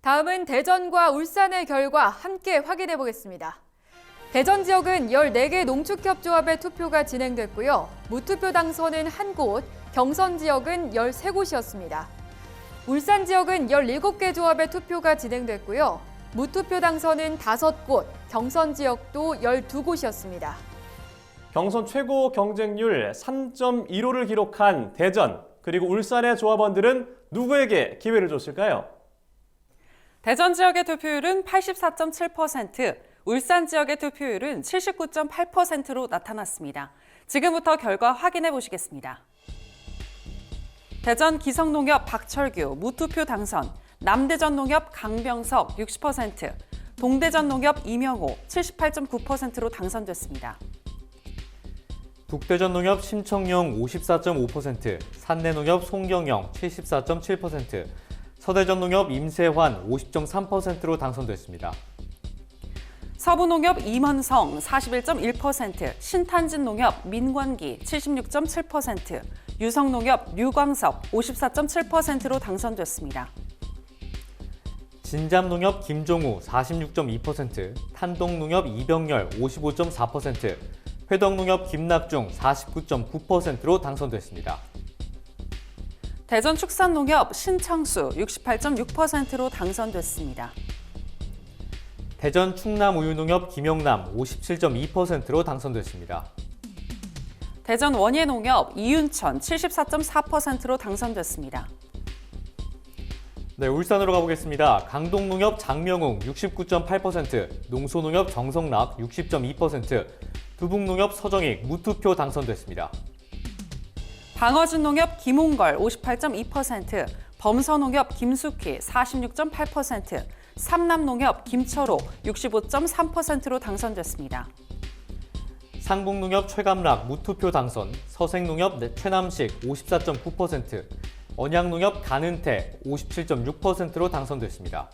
다음은 대전과 울산의 결과 함께 확인해 보겠습니다. 대전 지역은 14개 농축협조합의 투표가 진행됐고요. 무투표 당선은 1곳, 경선 지역은 13곳이었습니다. 울산 지역은 17개 조합의 투표가 진행됐고요. 무투표 당선은 5곳, 경선 지역도 12곳이었습니다. 경선 최고 경쟁률 3.15를 기록한 대전, 그리고 울산의 조합원들은 누구에게 기회를 줬을까요? 대전 지역의 투표율은 84.7%, 울산 지역의 투표율은 79.8%로 나타났습니다. 지금부터 결과 확인해 보시겠습니다. 대전 기성농협 박철규 무투표 당선, 남대전농협 강병석 60%, 동대전농협 이명호 78.9%로 당선됐습니다. 북대전농협 심청용 54.5%, 산내농협 송경영 74.7%, 서대전농협 임세환 50.3%로 당선됐습니다. 서부농협 임원성 41.1%, 신탄진농협 민관기 76.7%, 유성농협 류광섭 54.7%로 당선됐습니다. 진잠농협 김종우 46.2%, 탄동농협 이병열 55.4%, 회덕농협 김낙중 49.9%로 당선됐습니다. 대전축산농협 신창수 68.6%로 당선됐습니다. 대전 충남우유농협 김영남 57.2%로 당선됐습니다. 대전 원예농협 이윤천 74.4%로 당선됐습니다. 네, 울산으로 가보겠습니다. 강동농협 장명웅 69.8%, 농소농협 정성락 60.2%, 두북농협 서정익 무투표 당선됐습니다. 방어진농협 김홍걸 58.2%, 범서농협 김숙희 46.8%, 삼남농협 김철호 65.3%로 당선됐습니다. 상북농협 최감락 무투표 당선, 서생농협 최남식 54.9%, 언양농협 간은태 57.6%로 당선됐습니다.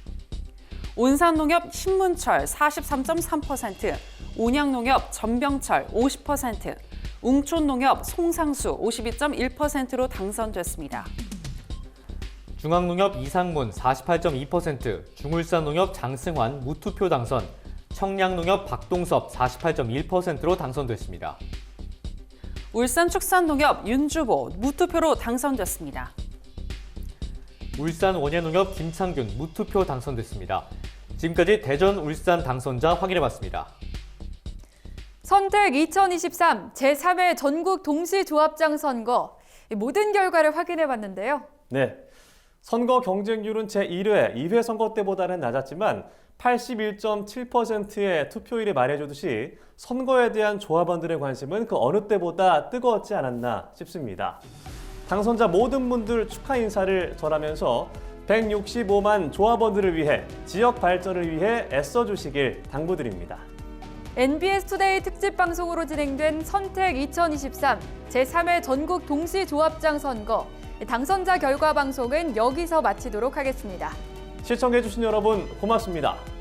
온산농협 신문철 43.3%, 온양농협 전병철 50%, 웅촌농협 송상수 52.1%로 당선됐습니다. 중앙농협 이상문 48.2%, 중울산농협 장승환 무투표 당선, 청량농협 박동섭 48.1%로 당선됐습니다. 울산축산농협 윤주보 무투표로 당선됐습니다. 울산 원예농협 김창균 무투표 당선됐습니다. 지금까지 대전, 울산 당선자 확인해봤습니다. 선택 2023 제3회 전국 동시조합장 선거, 모든 결과를 확인해봤는데요. 네, 선거 경쟁률은 제1회, 2회 선거 때보다는 낮았지만 81.7%의 투표율이 말해주듯이 선거에 대한 조합원들의 관심은 그 어느 때보다 뜨거웠지 않았나 싶습니다. 당선자 모든 분들 축하 인사를 전하면서 165만 조합원들을 위해, 지역 발전을 위해 애써주시길 당부드립니다. NBS 투데이 특집 방송으로 진행된 선택 2023 제3회 전국 동시조합장 선거, 당선자 결과 방송은 여기서 마치도록 하겠습니다. 시청해주신 여러분 고맙습니다.